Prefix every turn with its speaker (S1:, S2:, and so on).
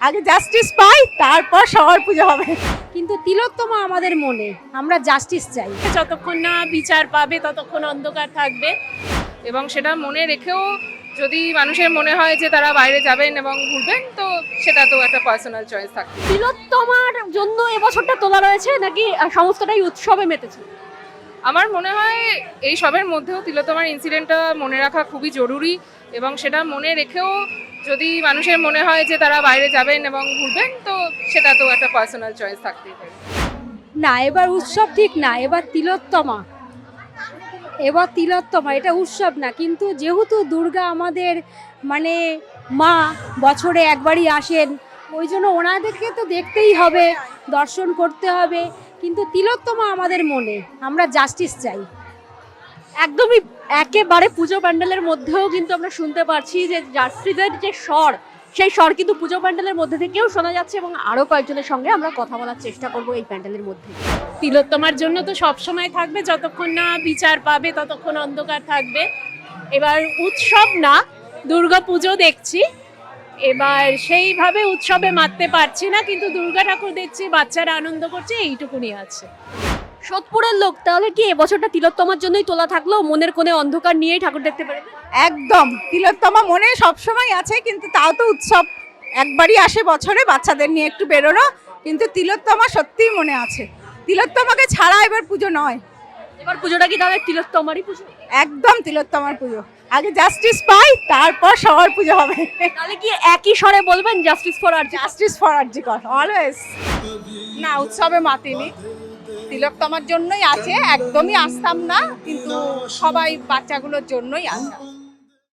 S1: আগে জাস্টিস পাই, তারপর সবার পুজো হবে।
S2: কিন্তু তিলোত্তমা আমাদের মনে, আমরা জাস্টিস চাই।
S3: যতক্ষণ না বিচার পাবে ততক্ষণ অন্ধকার থাকবে, এবং সেটা মনে রেখেও যদি মানুষের মনে হয় যে তারা বাইরে যাবেন এবং ঘুরবেন, তো সেটা তো একটা পার্সোনাল চয়েস থাকে।
S2: তিলোত্তমার জন্য এবছরটা তোলা রয়েছে নাকি সমস্তটাই উৎসবে মেতেছে?
S3: আমার মনে হয় এই সবের মধ্যেও তিলোত্তমার ইনসিডেন্টটা মনে রাখা খুবই জরুরি, এবং সেটা মনে রেখেও যদি মানুষের মনে হয় যে তারা বাইরে যাবেন এবং ঘুরবেন, তো সেটা তো একটা পার্সোনাল চয়েস থাকতেই পারে।
S2: না, এবার উৎসব ঠিক না, এবার তিলোত্তমা। এটা উৎসব না, কিন্তু যেহেতু দুর্গা আমাদের মানে মা, বছরে একবারই আসেন, ওই জন্য ওনাদেরকে তো দেখতেই হবে, দর্শন করতে হবে। কিন্তু তিলোত্তমা আমাদের মনে, আমরা জাস্টিস চাই। একদমই একেবারে পুজো প্যান্ডেলের মধ্যেও কিন্তু আমরা শুনতে পাচ্ছি যে জাস্টিসের যে স্বর, সেই স্বর কিন্তু পুজো প্যান্ডেলের মধ্যে থেকেও শোনা যাচ্ছে, এবং আরও কয়েকজনের সঙ্গে আমরা কথা বলার চেষ্টা করব এই প্যান্ডেলের মধ্যে।
S3: তিলোত্তমার জন্য তো সব সময় থাকবে, যতক্ষণ না বিচার পাবে ততক্ষণ অন্ধকার থাকবে। এবার উৎসব না, দুর্গা পুজো দেখছি, এবার সেইভাবে উৎসবে মাততে পারছি না, কিন্তু দুর্গা ঠাকুর দেখছি, বাচ্চারা আনন্দ করছে, এইটুকুনি আছে।
S2: সোদপুরের লোক তাহলে কি এবছরটা তিলোত্তমার জন্যই তোলা থাকলো, মনের কোণে অন্ধকার নিয়েই ঠাকুর দেখতে পারবে?
S1: একদম, তিলোত্তমা মনে সবসময় আছে, কিন্তু তাও তো উৎসব একবারই আসে বছরে, বাচ্চাদের নিয়ে একটু বেরোনো। কিন্তু তিলোত্তমা সত্যিই মনে আছে, তিলোত্তমাকে ছাড়া এবার পুজো নয়।
S2: এবার পুজোটা কি তাহলে তিলোত্তমারই পুজো?
S1: একদম তিলোত্তমার পুজো, আগে জাস্টিস পাই, তারপর সবার পুজো হবে।
S2: তাহলে কি একই স্বরে বলবেন জাস্টিস ফর আর
S1: জাস্টিস ফর আরজিকর অলওয়েজ। না, উৎসবে মাতিনি, তিলোত্তমার জন্যই আছে, একদমই আসতাম না, কিন্তু সবাই বাচ্চাগুলোর জন্যই আসা।